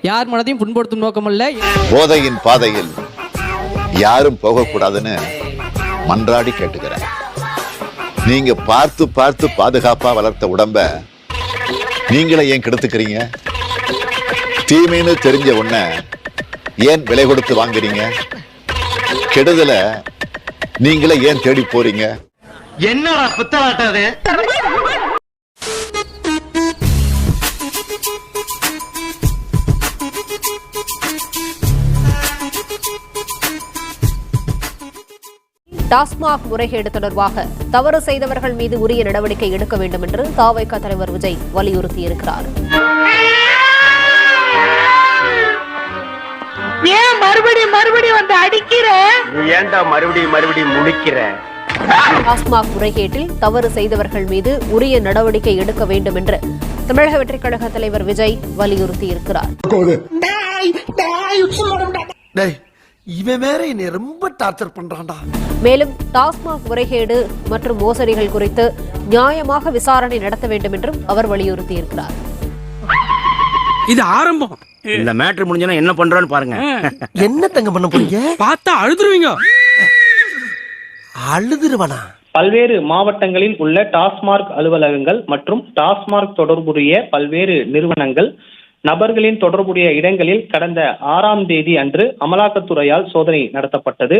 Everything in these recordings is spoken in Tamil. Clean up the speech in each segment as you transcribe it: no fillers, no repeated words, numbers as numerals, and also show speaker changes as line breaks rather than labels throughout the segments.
யார் மனதையும் புண்படுத்தும் நோக்கமல்ல.
போதையின் பாதையில் யாரும் போகக்கூடாதுன்னு மன்றாடி கேட்டுக்கிறேன். நீங்க பார்த்து பார்த்து பாதுகாப்பா வளர்த்த உடம்ப நீங்களே ஏன் கெடுத்துக்கிறீங்க? தீமைன்னு தெரிஞ்ச உடனே ஏன் விலை கொடுத்து வாங்குறீங்க? கெடுதல நீங்களே ஏன் தேடி போறீங்க?
என்னடா புத்தலாட்டது?
டாஸ்மாக் முறைகேடு தொடர்பாக தவறு செய்தவர்கள் மீது உரிய நடவடிக்கை எடுக்க வேண்டும் என்று தவிக தலைவர் விஜய் வலியுறுத்தியிருக்கிறார்.
ஏன் மறுபடியும் வந்து அடிக்கிற?
ஏன்டா மறுபடியும் முடிக்கிற?
டாஸ்மாக் முறைகேட்டில் தவறு செய்தவர்கள் மீது உரிய நடவடிக்கை எடுக்க வேண்டும் என்று தமிழக வெற்றிக் கழக தலைவர் விஜய் வலியுறுத்தியிருக்கிறார்.
இவன் வேற என்னை ரொம்ப டார்ச்சர் பண்றான்டா.
மேலும் டாஸ்மாக் முறைகேடு மற்றும் மோசடிகள் குறித்து நியாயமாக விசாரணை நடத்த வேண்டும் என்றும் அவர் வலியுறுத்தியிருக்கிறார்.
இது ஆரம்பம்.
இந்த மேட்ரு முடிஞ்சா என்ன பண்றோன்னு பாருங்க.
என்ன தங்க பண்ண போறீங்க?
பார்த்தா அழுதுருவீங்க.
அழுதுருவனா?
பல்வேறு மாவட்டங்களில் உள்ள டாஸ்மாக் அலுவலகங்கள் மற்றும் டாஸ்மாக் தொடர்புடைய பல்வேறு நிறுவனங்கள் நபர்களின் தொடர்புடைய இடங்களில் கடந்த 6ஆம் தேதி அன்று அமலாக்கத்துறையால் சோதனை நடத்தப்பட்டது.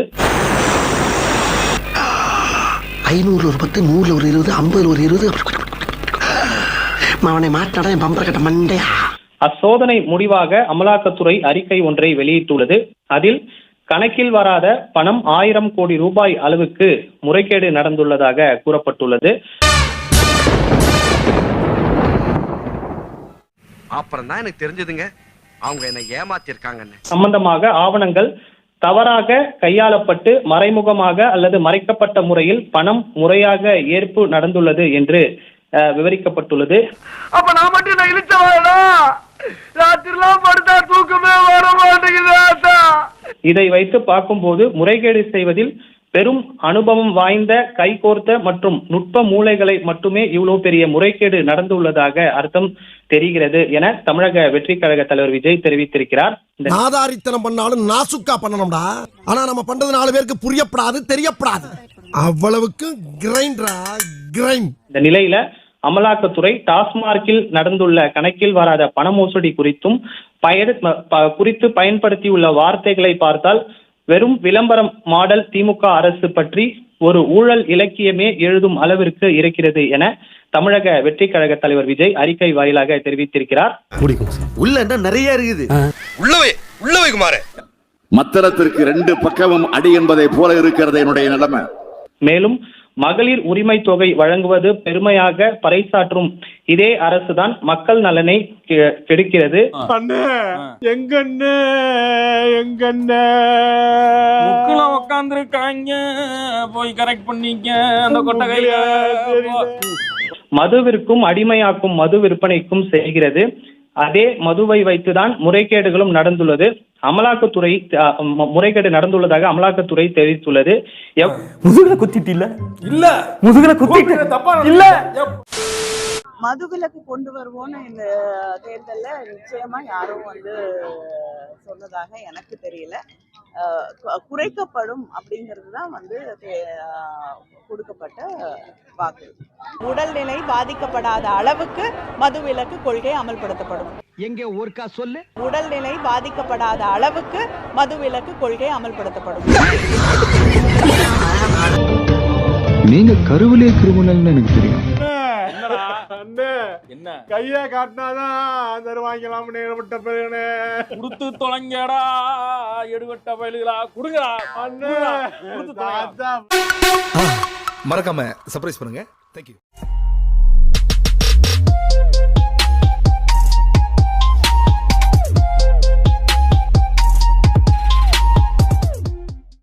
500 ஒரு 10, 100 ஒரு 20, 50 ஒரு 20. அவனை மாட்டாடா என் பம்பர கட்ட மண்டையா.
அச்சோதனை முடிவாக அமலாக்கத்துறை அறிக்கை ஒன்றை வெளியிட்டுள்ளது. அதில் கணக்கில் வராத பணம் 1000 கோடி ரூபாய் அளவுக்கு முறைகேடு நடந்துள்ளதாக கூறப்பட்டுள்ளது.
அப்புறம் தான் எனக்கு தெரிஞ்சதுங்க, அவங்க என்ன ஏமாத்திருக்காங்கன்னு.
சம்பந்தமாக ஆவணங்கள் தவறாக கையாளப்பட்டு மறைமுகமாக அல்லது மறைக்கப்பட்ட முறையில் பணம் முறையாக ஏற்பு நடந்துள்ளது என்று விவரிக்கப்பட்டுள்ளது.
அப்ப நான் மட்டும் இழுச்சவாடா, ராத்திரிலாம் படுத்தா தூக்கமே வர மாட்டேங்குது.
இதை வைத்து பார்க்கும்போது முறைகேடு செய்வதில் பெரும் அனுபவம் வாய்ந்த கைகோர்த்த மற்றும் நுட்ப மூளைகளை மட்டுமே இவ்வளவு பெரிய முறைகேடு நடந்துள்ளதாக அர்த்தம் தெரிகிறது என தமிழக வெற்றி கழக தலைவர் விஜய் தெரிவித்திருக்கிறார்.
நாதாரித்தனம் பண்ணாலும் நாசுக்கா பண்ணணும்டா. ஆனா நம்ம பண்றது 4 பேருக்கு புரியப்படாது, தெரியப்படாது. அவ்வளவுக்கு கிரைண்ட்.
இந்த நிலையில அமலாக்கத்துறை டாஸ்மார்க்கில் நடந்துள்ள கணக்கில் வராத பண மோசடி குறித்தும் பயன்படுத்தியுள்ள வார்த்தைகளை பார்த்தால் வெறும் விளம்பரம் மாடல் திமுக அரசு பற்றி ஒரு ஊழல் இலக்கியமே எழுதும் அளவிற்கு இருக்கிறது என தமிழக வெற்றி கழக தலைவர் விஜய் அறிக்கை வாயிலாக தெரிவித்திருக்கிறார்.
உள்ள என்ன நிறைய இருக்குது.
உள்ளவை குமாரே, மத்தளத்திற்கு 2 பக்கமும் அடி என்பதை போல இருக்கிறது என்னுடைய நிலைமை.
மேலும் மகளிர் உரிமை தொகை வழங்குவது பெருமையாக பறைசாற்றும் இதே அரசுதான் மக்கள் நலனை கெடுக்கிறது.
போய் கரெக்ட் பண்ணிக்க அந்த கொட்டகைய.
மதுவிற்கும் அடிமையாக்கும் மது விற்பனைக்கும் செய்கிறது. அதே மதுவை வைத்துதான் முறைகேடுகளும் நடந்துள்ளது. அமலாக்கத்துறை முறைகேடு நடந்துள்ளதாக அமலாக்கத்துறை தெரிவித்துள்ளது.
முதுகுல குத்திட்டு இல்ல முதுகுல குத்திட்டு இல்ல.
மதுவிலக்கு கொண்டு வருவோம்னு இந்த தேர்தல்ல நிச்சயமா யாரும் சொன்னதாக எனக்கு தெரியல. குறைக்கப்படும் அப்படிங்கிறது தான் கொடுக்கப்பட்ட வாக்கு. உடல்நிலை பாதிக்கப்படாத அளவுக்கு மதுவிலக்கு கொள்கை அமல்படுத்தப்படும்.
எங்க ஒருக்கா சொல்லு.
உடல்நிலை பாதிக்கப்படாத அளவுக்கு மதுவிலக்கு கொள்கை அமல்படுத்தப்படும்.
நீங்க கருவிலே கிரிமினல்னு எனக்கு தெரியும்.
என்ன
கைய காட்டினாதான் தருவாங்களாம்.
குடுத்து தொலைங்கடா எடுவட்ட பயிலுகளா குடுங்கடா.
மறக்காம சர்ப்ரைஸ் பண்ணுங்க. தேங்க்யூ.